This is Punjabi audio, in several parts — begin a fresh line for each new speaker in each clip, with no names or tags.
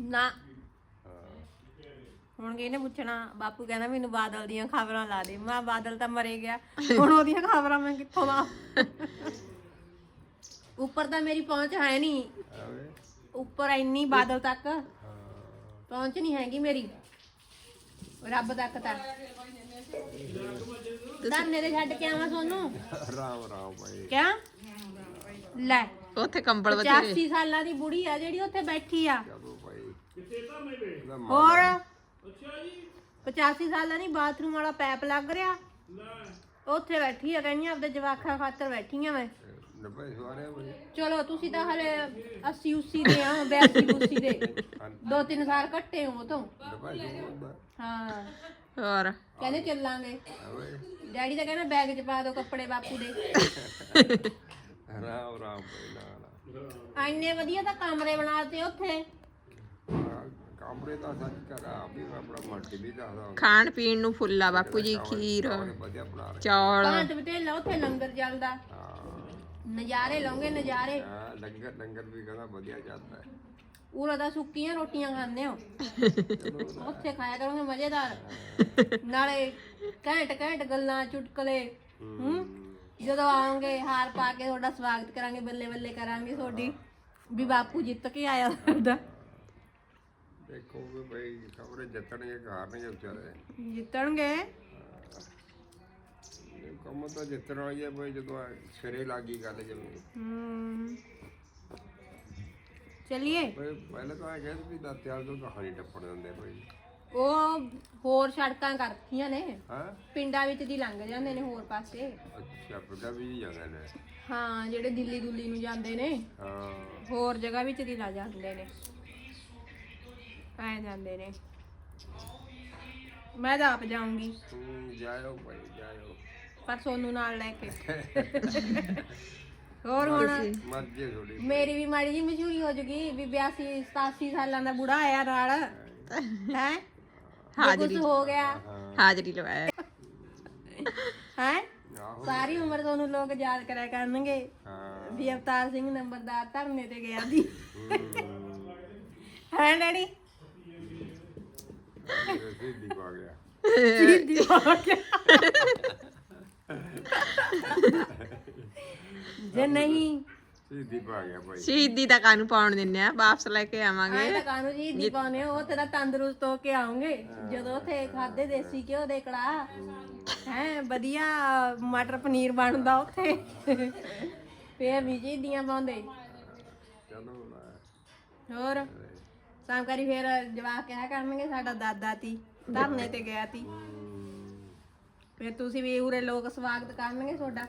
ਨਾ ਹੁਣ ਕਿਹਨੇ ਪੁੱਛਣਾ। ਬਾਪੂ ਕਹਿੰਦਾ ਮੈਨੂੰ ਬਾਦਲ ਦੀਆਂ ਖਬਰਾਂ ਲਾ ਦੇ। ਮੈਂ ਬਾਦਲ ਤਾਂ ਮਰੇ ਗਿਆ, ਹੁਣ ਉਹਦੀਆਂ ਖਬਰਾਂ ਮੈਂ ਕਿੱਥੋਂ ਲਾ। ਉੱਪਰ ਤਾਂ ਮੇਰੀ ਪਹੁੰਚ ਹੈ ਨਹੀਂ, ਉੱਪਰ ਇੰਨੀ ਬਾਦਲ ਤੱਕ ਪਹੁੰਚ ਨਹੀਂ ਹੈਗੀ ਮੇਰੀ, ਰੱਬ ਤੱਕ ਤਾਂ। ਧਰਨੇ ਤੇ ਛੱਡ ਕੇ ਆਵਾਂ ਸੋਨੂੰ?
ਰਾਮ ਰਾਮ ਭਾਈ।
ਕਿਆ ਲੈ
ਉੱਥੇ ਕੰਬਲ
85 ਸਾਲਾਂ ਦੀ ਬੁੜੀ ਆ ਜਿਹੜੀ ਉੱਥੇ ਬੈਠੀ ਆ।
ਚਲੋ ਭਾਈ
ਹੋਰ 85 ਸਾਲਾਂ ਦੀ ਬਾਥਰੂਮ ਵਾਲਾ ਪੈਪ ਲੱਗ ਰਿਹਾ, ਉੱਥੇ ਬੈਠੀ ਆ। ਕਹਿੰਦੀ ਆਪਦੇ ਜਵਾਕਾਂ ਖਾਤਰ ਬੈਠੀ ਆ ਮੈਂ। ਚਲੋ ਤੁਸੀਂ ਤਾਂ ਹਲੇ 80 80 ਦੇ ਆ, 82 82 ਦੇ 2-3 ਸਾਲ ਘੱਟੇ ਹੋ ਤੋਂ। ਹਾਂ
ਹੋਰ
ਕਹਿੰਦੇ ਚੱਲਾਂਗੇ। ਡੈਡੀ ਤਾਂ ਕਹਿੰਦਾ ਬੈਗ 'ਚ ਪਾ ਦੋ ਕੱਪੜੇ ਬਾਪੂ ਦੇ।
ਰਾਮ ਰਾਮ ਭਾਈ।
ਇੰਨੇ ਵਧੀਆ ਤਾਂ ਕਮਰੇ ਬਣਾਤੇ ਉੱਥੇ।
ਕਮਰੇ ਤਾਂ ਸੱਚ ਕਰਾ ਵੀ ਆਪਣਾ ਮਰਜ਼ੀ ਵੀ ਦੱਸਦਾ।
ਖਾਣ ਪੀਣ ਨੂੰ ਫੁੱਲਾ ਬਾਪੂ ਜੀ, ਖੀਰ
ਵਧੀਆ ਬਣਾ ਰਹੇ।
ਚੌਲ
ਭਾਂਤ ਬਟੇਲਾ ਉੱਥੇ ਲੰਗਰ ਚੱਲਦਾ, ਨਜ਼ਾਰੇ ਲਾਉਂਗੇ ਨਜ਼ਾਰੇ।
ਹਾਂ ਲੰਗਰ ਲੰਗਰ ਵੀ ਕਹਿੰਦਾ ਵਧੀਆ ਚੱਲਦਾ ਹੈ।
ਉਰਾ ਦਾ ਸੁੱਕੀਆਂ ਰੋਟੀਆਂ ਖਾਂਦੇ ਹੋ, ਉੱਥੇ ਖਾਇਆ ਕਰੋਗੇ ਮਜ਼ੇਦਾਰ, ਨਾਲੇ ਘੈਂਟ ਘੈਂਟ ਗੱਲਾਂ ਚੁਟਕਲੇ। ਜਦੋਂ ਆਓਗੇ ਹਾਰ ਪਾ ਕੇ ਤੁਹਾਡਾ ਸਵਾਗਤ ਕਰਾਂਗੇ, ਬੱਲੇ ਬੱਲੇ ਕਰਾਂਗੇ ਤੁਹਾਡੀ ਵੀ ਬਾਪੂ ਜਿੱਤ ਕੇ ਆਇਆ ਸਾਡਾ।
ਦੇਖੋ ਵੀ ਭਾਈ ਖਬਰੇ ਜਿੱਤਣਗੇ ਹਾਰਨਗੇ ਵਿਚਾਰੇ।
ਜਿੱਤਣਗੇ
ਕੰਮ ਤਾਂ ਜਿੱਤਣ ਵਾਲੀ ਹੈ ਭਾਈ, ਜਦੋਂ ਸਿਰੇ ਲੱਗੀ ਗੱਲ ਜਿਵੇਂ।
ਚਲਿਏ
ਪਹਿਲਾਂ ਤਾਂ ਇਹ ਕਹਿੰਦੇ ਵੀ ਦਾਤਿਆਲ ਤੋਂ ਕਹਾਣੀ ਟੱਪਣ ਦਿੰਦੇ ਭਾਈ।
ਉਹ ਹੋਰ ਸੜਕਾਂ ਕਰਤੀਆਂ ਨੇ,
ਹਾਂ
ਪਿੰਡਾਂ ਵਿੱਚ ਦੀ ਲੰਘ ਜਾਂਦੇ ਨੇ ਹੋਰ ਪਾਸੇ।
ਅੱਛਾ ਪਿੰਡਾਂ ਵੀ ਜਾਂਦੇ ਨੇ।
ਹਾਂ ਜਿਹੜੇ ਦਿੱਲੀ ਦੁੱਲੀ ਨੂੰ ਜਾਂਦੇ ਨੇ,
ਹਾਂ
ਹੋਰ ਜਗ੍ਹਾ ਵਿੱਚ ਦੀ ਲਾ ਜਾਂਦੇ ਨੇ, ਆਏ ਜਾਂਦੇ ਨੇ। ਮੈਂ ਤਾਂ ਆਪ ਜਾਊਂਗੀ,
ਜਾਇਓ ਭਾਈ ਜਾਇਓ,
ਪਰ ਸੋਨੂੰ ਨਾਲ ਲੈ ਕੇ। ਹੋਰ ਹੁਣ
ਮਰਜ਼ੀ ਥੋੜੀ।
ਮੇਰੀ ਵੀ ਮਾੜੀ ਜੀ ਮਸ਼ਹੂਰੀ ਹੋ ਜੂਗੀ ਵੀ 82 87 ਸਾਲਾਂ ਦਾ ਬੁੜਾ ਆਇਆ ਨਾਲ ਹੈ। ਹਾਜ਼ਰੀ ਹੋ ਗਿਆ,
ਹਾਜ਼ਰੀ ਲਵਾਇਆ
ਹੈ। ਸਾਰੀ ਉਮਰ ਤੁਹਾਨੂੰ ਲੋਕ ਯਾਦ ਕਰਿਆ ਕਰਨਗੇ ਵੀ ਅਵਤਾਰ ਸਿੰਘ ਨੰਬਰਦਾਰ ਧਰਨੇ ਤੇ ਗਿਆ ਸੀ। ਹੈ ਡੈਡੀ?
ਸਿੱਧੀ ਪਾ ਗਿਆ,
ਸਿੱਧੀ ਪਾ ਗਿਆ। ਜੇ ਨਹੀਂ
ਸਿੱਧੀ ਪਾ ਗਿਆ ਭਾਈ।
ਸ਼ਹੀਦੀ ਦਾ ਕਾਨੂੰ ਪਾਉਣ ਦਿੰਨੇ ਆ, ਵਾਪਸ ਲੈ ਕੇ ਆਵਾਂਗੇ।
ਆਏ ਤਾਂ ਕਾਨੂੰ ਜੀ ਦੀ ਪਾਉਣੇ ਉਹ ਤੇਰਾ ਤੰਦਰੁਸਤ ਹੋ ਕੇ ਆਉਂਗੇ ਜਦੋਂ ਉੱਥੇ ਖਾਦੇ ਦੇਸੀ ਘਿਓ ਦੇ ਕੜਾ ਹੈ, ਵਧੀਆ ਮਟਰ ਪਨੀਰ ਬਣਦਾ ਉੱਥੇ, ਫੇਰ ਵੀ ਜੀ ਦੀਆਂ ਪਾਉਂਦੇ। ਹੋਰ ਸਾਮਕਾਰੀ ਫੇਰ ਜਵਾਕ ਕਿਹਾ ਕਰਨਗੇ ਸਾਡਾ ਦਾਦਾ ਤੀ ਧਰਨੇ ਤੇ ਗਿਆ ਤੀ, ਫੇਰ ਤੁਸੀਂ ਵੀ ਉਰੇ ਲੋਕ ਸਵਾਗਤ ਕਰਨਗੇ ਤੁਹਾਡਾ।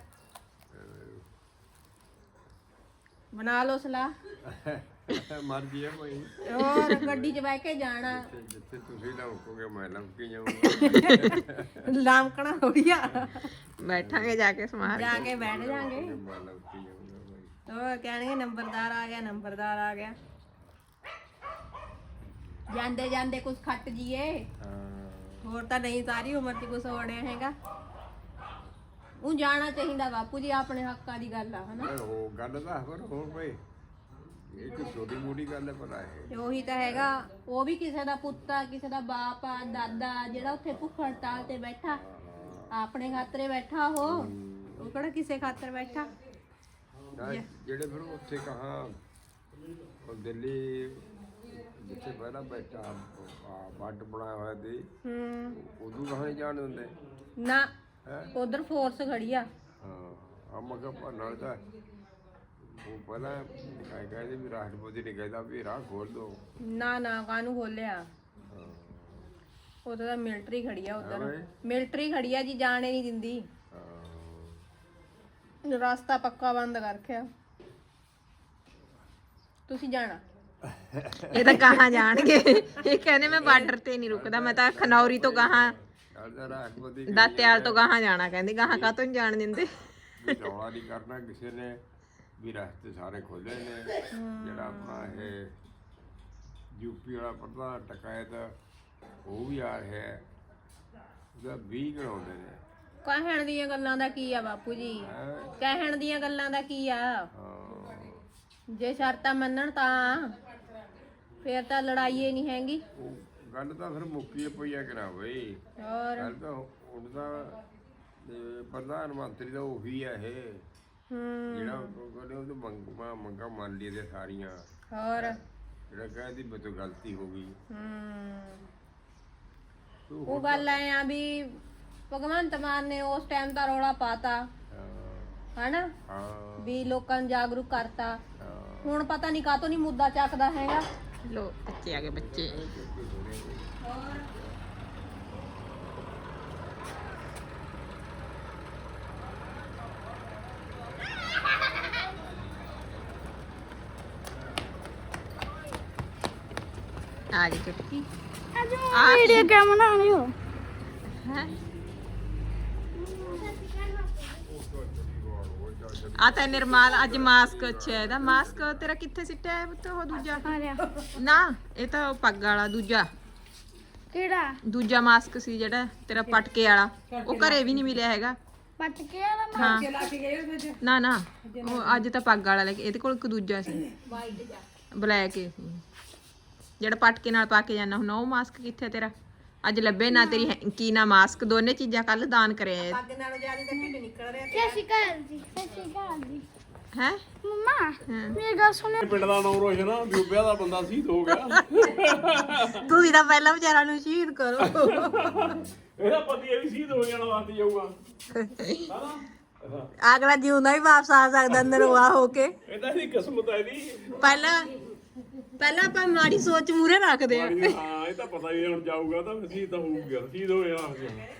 ਬਣਾ ਲਓ ਸਲਾਹ।
ਮਰਜ਼ੀ ਹੈ ਭਾਈ।
ਹੋਰ ਗੱਡੀ 'ਚ ਬਹਿ ਕੇ ਜਾਣਾ,
ਜਿੱਥੇ ਤੁਸੀਂ ਲਮਕੋਗੇ ਮੈਂ ਲਮਕੀ ਜਾਊਂਗਾ।
ਲਾਮਕਣਾ ਥੋੜੀ ਆ,
ਬੈਠਾਂਗੇ ਜਾ ਕੇ ਸਮਾਰ
ਜਾ ਕੇ ਬੈਠ ਜਾਾਂਗੇ।
ਮੈਂ ਲਮਕੀ ਜਾਊਂਗਾ ਭਾਈ।
ਹੋਰ ਕਹਿਣਗੇ ਨੰਬਰਦਾਰ ਆ ਗਿਆ, ਨੰਬਰਦਾਰ ਆ ਗਿਆ। ਜਾਂਦੇ ਜਾਂਦੇ ਕੁਝ ਖੱਟ ਜੀਏ, ਹੋਰ ਤਾਂ ਨਹੀਂ ਸਾਰੀ ਉਮਰ 'ਚ ਕੁਝ ਹੋਣਿਆ ਹੈਗਾ। ਉਹ ਜਾਣਾ ਚਾਹੀਦਾ ਬਾਪੂ ਜੀ, ਆਪਣੇ ਹੱਕਾਂ ਦੀ ਗੱਲ ਆ ਹਨਾ।
ਉਹ ਗੱਲ ਤਾਂ ਹੋਰ ਭਾਈ, ਇਹ ਕੋਈ ਛੋਟੀ ਮੋਟੀ ਗੱਲ ਹੈ ਪਰ
ਤੇ ਉਹੀ ਤਾਂ ਹੈਗਾ, ਉਹ ਵੀ ਕਿਸੇ ਦਾ ਪੁੱਤ ਆ, ਕਿਸੇ ਦਾ ਬਾਪ ਆ, ਦਾਦਾ, ਜਿਹੜਾ ਉੱਥੇ ਭੁੱਖ ਹੜਤਾਲ ਤੇ ਬੈਠਾ, ਆਪਣੇ ਖਾਤਰੇ ਬੈਠਾ। ਉਹ ਕਿਹੜਾ ਕਿਸੇ ਖਾਤਰ ਬੈਠਾ।
ਜਿਹੜੇ ਫਿਰ ਉੱਥੇ ਕਹਾ ਦਿੱਲੀ ਜਿੱਥੇ ਪਹਿਲਾਂ ਬੈਠਾ ਵੱਡ ਬਣਾਇਆ ਹੋਇਆ ਸੀ, ਉਦੋਂ ਕਹਾਂ ਨਹੀਂ ਜਾਣ ਦਿੰਦੇ
ਨਾ, ਉਧਰ ਫੋਰਸ ਖੜੀ ਆ।
ਹਾਂ ਮਗਰ ਨਾਲ ਤਾਂ ਉਹ ਪਹਿਲਾਂ ਕਹਿੰਦੇ ਵੀ ਰਾਸ਼ਟਰਪਤੀ ਨੇ ਕਹਿੰਦਾ ਵੀ ਰਾਹ ਖੋਲ ਦੋ। ਨਾ
ਨਾ ਕਾਹਨੂੰ ਖੋਲਿਆ, ਉਧਰ ਤਾਂ ਮਿਲਟਰੀ ਖੜੀ ਆ, ਉਧਰ ਮਿਲਟਰੀ ਖੜੀ ਆ ਜੀ, ਜਾਣੇ ਨਹੀਂ ਦਿੰਦੀ। ਰਸਤਾ ਪੱਕਾ ਬੰਦ ਕਰ ਰੱਖਿਆ। ਤੁਸੀਂ ਜਾਣਾ?
ਇਹ ਤਾਂ ਕਹਾਂ ਜਾਣਗੇ, ਇਹ ਕਹਿੰਦੇ ਮੈਂ ਬਾਰਡਰ ਤੇ ਨਹੀਂ ਰੁਕਦਾ, ਮੈਂ ਤਾਂ ਖਨੌਰੀ ਤੋਂ ਗਾਹਾਂ ਦਾਤਿਆਲ ਤੋਂ ਗਾਹਾਂ ਜਾਣਾ, ਕਹਿੰਦੇ ਗਾਹਾਂ ਕਾਹਤੋਂ ਨਹੀਂ ਜਾਣ ਦਿੰਦੇ।
ਰੌਲਾ ਨਹੀਂ ਕਰਨਾ ਕਿਸੇ ਨੇ ਵੀ, ਰਸਤੇ ਸਾਰੇ ਖੋਲੇ ਨੇ। ਜਿਹੜਾ ਆਪਣਾ ਇਹ ਯੂਪੀ ਵਾਲਾ ਪ੍ਰਧਾਨ ਟਕਾਇਤ ਉਹ ਵੀ ਆ ਰਿਹਾ, ਉਹਦਾ 20 ਕਰਾਉਂਦੇ ਨੇ।
ਕਹਿਣ ਦੀਆਂ ਗੱਲਾਂ ਦਾ ਕੀ ਆ ਬਾਪੂ ਜੀ, ਕਹਿਣ ਦੀਆਂ ਗੱਲਾਂ ਦਾ ਕੀ ਆ। ਜੇ ਸ਼ਰਤਾਂ ਮੰਨਣ ਤਾਂ ਫੇਰ ਤਾਂ ਲੜਾਈ ਹੀ ਨਹੀਂ ਹੈਗੀ।
ਉਹ ਗੱਲ ਤਾਂ ਫਿਰ ਮੁੱਕੀ ਪਈ ਆ ਕਰਾ ਬਈ।
ਹੋਰ
ਗੱਲ ਤਾਂ ਉਹਦਾ ਪ੍ਰਧਾਨ ਮੰਤਰੀ ਦਾ ਉਹੀ ਆ ਇਹ ਜਿਹੜਾ ਕਹਿੰਦੇ ਉਹ ਮੰਗਾ ਮੰਨ ਲਈ ਤੇ ਸਾਰੀਆਂ।
ਹੋਰ
ਜਿਹੜਾ ਕਹਿੰਦੀ ਮੇਰੇ ਤੋਂ ਗਲਤੀ ਹੋ ਗਈ।
ਉਹ ਗੱਲ ਐ ਆ ਵੀ ਭਗਵੰਤ ਮਾਨ ਨੇ ਉਸ ਟਾਈਮ ਦਾ ਰੌਲਾ ਪਾਤਾ ਹਨਾ ਵੀ ਲੋਕਾਂ ਨੂੰ ਜਾਗਰੂਕ ਕਰਤਾ। ਹੁਣ ਪਤਾ ਨਹੀਂ ਕਾਹਤੋਂ ਨਹੀਂ ਮੁੱਦਾ ਚੱਕਦਾ ਹੈਗਾ।
ਲੋ ਬੱਚੇ ਆ ਗਏ ਬੱਚੇ। ਆ ਗਈ ਚੁਟਕੀ।
ਵੀਡੀਓ ਕਿਆ ਬਣਾ ਰਹੇ ਹੋ?
ਹੈ ਆ ਤਾਂ ਨਿਰਮਾਲ ਅੱਜ ਮਾਸਕ ਅੱਛਾ ਇਹਦਾ ਮਾਸਕ ਤੇਰਾ ਕਿੱਥੇ ਸਿੱਟਿਆ ਹੈ ਪੁੱਤ ਉਹ ਦੂਜਾ
ਆ ਰਿਹਾ
ਨਾ ਇਹ ਤਾਂ ਉਹ ਪੱਗ ਵਾਲਾ ਦੂਜਾ
ਕਿਹੜਾ
ਮਾਸਕ ਸੀ ਜਿਹੜਾ ਤੇਰਾ ਪਟਕੇ ਵਾਲਾ ਉਹ ਘਰੇ ਵੀ ਨਹੀਂ ਮਿਲਿਆ ਹੈਗਾ।
ਪੱਟ ਕੇ ਆ
ਹਾਂ ਨਾ ਨਾ ਉਹ ਅੱਜ ਤਾਂ ਪੱਗ ਵਾਲਾ ਲੈ ਕੇ ਇਹਦੇ ਕੋਲ ਇੱਕ ਦੂਜਾ ਸੀ ਬਲੈਕ ਜਿਹੜਾ ਪਟਕੇ ਨਾਲ ਪਾ ਕੇ ਜਾਣਾ ਹੁਣ ਉਹ ਮਾਸਕ ਕਿੱਥੇ ਤੇਰਾ ਅੱਜ ਲੱਭੇ ਨਾ ਤੇਰੀ ਕੀ ਨਾ ਮਾਸਕ ਦੋਨੇ ਚੀਜ਼ਾਂ ਕੱਲ ਦਾਨ ਕਰਿਆ
ਪੱਗ ਨਾਲੋਂ ਜ਼ਿਆਦਾ ਤਾਂ ਢਿੱਡ ਨਿਕਲ ਰਿਹਾ।
ਸਤਿ ਸ਼੍ਰੀ ਅਕਾਲ ਜੀ। ਸਤਿ ਸ਼੍ਰੀ ਅਕਾਲ ਜੀ।
ਹੈ
ਮੰਮਾ ਮੇਰੀ ਗੱਲ ਸੁਣੋ।
ਪਿੰਡ ਦਾ ਨਾਮ ਰੋਸ਼ਨ ਆ ਵਿਊਬਿਆ ਦਾ ਬੰਦਾ ਸ਼ਹੀਦ ਹੋ ਗਿਆ।
ਤੁਸੀਂ ਤਾਂ ਪਹਿਲਾਂ ਵਿਚਾਰਾ ਨੂੰ ਸ਼ਹੀਦ ਕਰੋ।
ਇਹਦਾ ਪਤੀ ਇਹ ਵੀ ਸ਼ਹੀਦ ਹੋ ਜਾਣਾ ਵਾਸਤੇ ਜਾਊਗਾ ਹਨਾ।
ਅਗਲਾ ਜਿਉਂਦਾ ਵੀ ਵਾਪਸ ਆ ਸਕਦਾ ਨਰਵਾ ਹੋ ਕੇ।
ਇਹਦਾ ਦੀ ਕਿਸਮਤ ਹੈ ਇਹਦੀ।
ਪਹਿਲਾਂ ਆਪਾਂ ਮਾੜੀ ਸੋਚ ਮੂਰੇ ਰੱਖਦੇ ਆ।
ਹਾਂ ਇਹ ਤਾਂ ਪਤਾ ਹੀ ਹੁਣ ਜਾਊਗਾ ਤਾਂ ਸ਼ਹੀਦ ਤਾਂ ਹੋਊਗਾ ਸ਼ਹੀਦ ਹੋ ਜਾਣਾ।